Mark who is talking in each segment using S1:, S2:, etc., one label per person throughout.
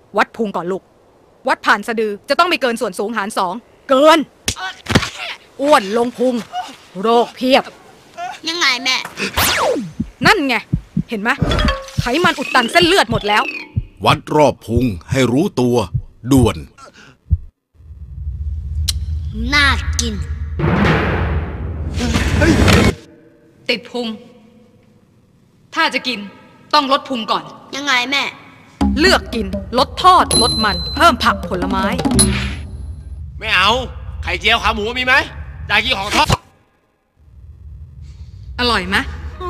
S1: วัดพุงก่อนลูกวัดผ่านสะดือจะต้องไม่เกินส่วนสูงหาร2เกินอ้วนลงพุงโรคเพียบ
S2: ยังไงแม่
S1: นั่นไงเห็นไหมไขมันอุดตันเส้นเลือดหมดแล้ว
S3: วัดรอบพุงให้รู้ตัวด่วน
S2: น่ากิน
S1: ติดพุงถ้าจะกินต้องลดพุงก่อน
S2: ยังไงแม่
S1: เลือกกินลดทอดลดมันเพิ่มผักผลไม้
S4: ไม่เอาไข่เจียวขาหมูมีไหมอยากกินของทอด
S1: อร่อยไหม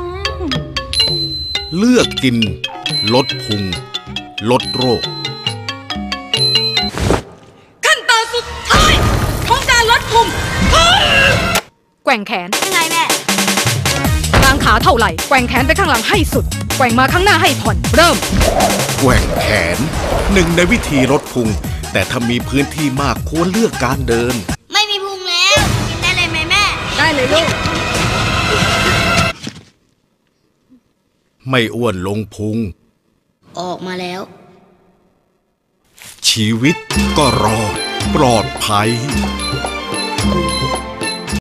S3: เลือกกินลดพุงลดโรค
S1: ขั้นตอนสุดท้ายของการลดพุงแกว่งแขน
S2: ยังไงแม่
S1: กางขาเท่าไหร่แกว่งแขนไปข้างหลังให้สุดแกว่งมาข้างหน้าให้ผ่อนเริ่ม
S3: แกว่งแขนหนึ่งในวิธีลดพุงแต่ถ้ามีพื้นที่มากควรเลือกการเดิน
S2: ไม่มีพุงแล้วกินได้เลยไหมแม่
S1: ได้เลยลูก
S3: ไม่อ้วนลงพุง
S2: ออกมาแล้ว
S3: ชีวิตก็รอดปลอดภัย